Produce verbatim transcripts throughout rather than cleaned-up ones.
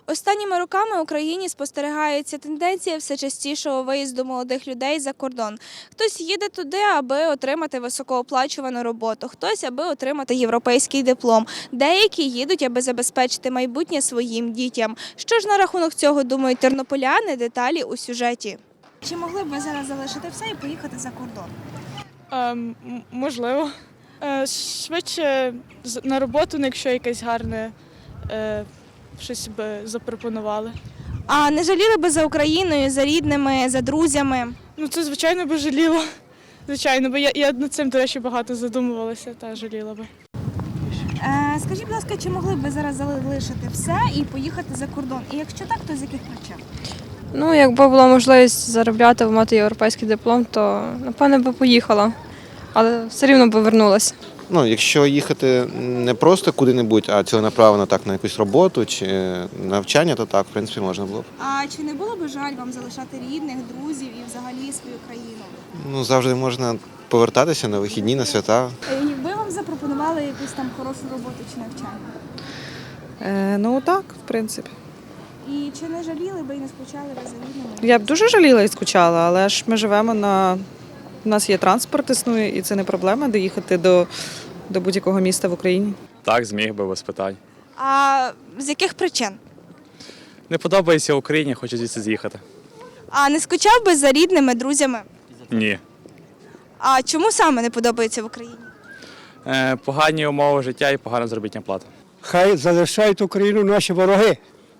Останніми роками в Україні спостерігається тенденція все частішого виїзду молодих людей за кордон. Хтось їде туди, аби отримати високооплачувану роботу, хтось, аби отримати європейський диплом. Деякі їдуть, аби забезпечити майбутнє своїм дітям. Що ж на рахунок цього думають тернополяни? Деталі у сюжеті. Чи могли б ви зараз залишити все і поїхати за кордон? Ем, м- можливо. Е, швидше з- на роботу, ну, якщо якесь гарне е, щось би запропонували. А не жаліли би за Україною, за рідними, за друзями? Ну, це, звичайно, би жаліло. Звичайно, бо я, я над цим, до речі, багато задумувалася та жаліла би. Е, скажіть, будь ласка, чи могли б ви зараз залишити все і поїхати за кордон? І якщо так, то з яких причин? Ну, якби була можливість заробляти, мати європейський диплом, то, напевне, би поїхала. Але все рівно би вернулася. Ну, якщо їхати не просто куди-небудь, а ціленаправленно так на якусь роботу чи навчання, то так, в принципі, можна було б. А чи не було б жаль вам залишати рідних, друзів і взагалі свою країну? Ну, завжди можна повертатися на вихідні, на свята. Е, Якби вам запропонували якусь там хорошу роботу чи навчання? Е, ну так, в принципі. І чи не жаліли би і не скучали ви за рідними? Я б дуже жаліла і скучала, але ж ми живемо на. У нас є транспорт, існує, і це не проблема доїхати до, до будь-якого міста в Україні. Так, зміг би без питань. А з яких причин? Не подобається Україні, хочу звідси з'їхати. А не скучав би за рідними, друзями? Ні. А чому саме не подобається в Україні? Е, погані умови життя і погана заробітна плата. Хай залишають Україну наші вороги.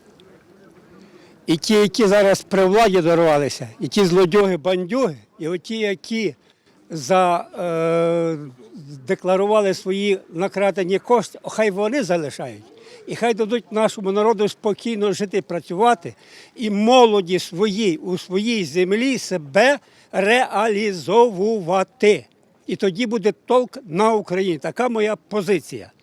І ті, які зараз при владі дорвалися, і ті злодюги, бандюги, і оті, які за, е, декларували свої накрадені кошти, хай вони залишають. І хай дадуть нашому народу спокійно жити, працювати, і молоді своїй у своїй землі себе реалізовувати. І тоді буде толк на Україні. Така моя позиція.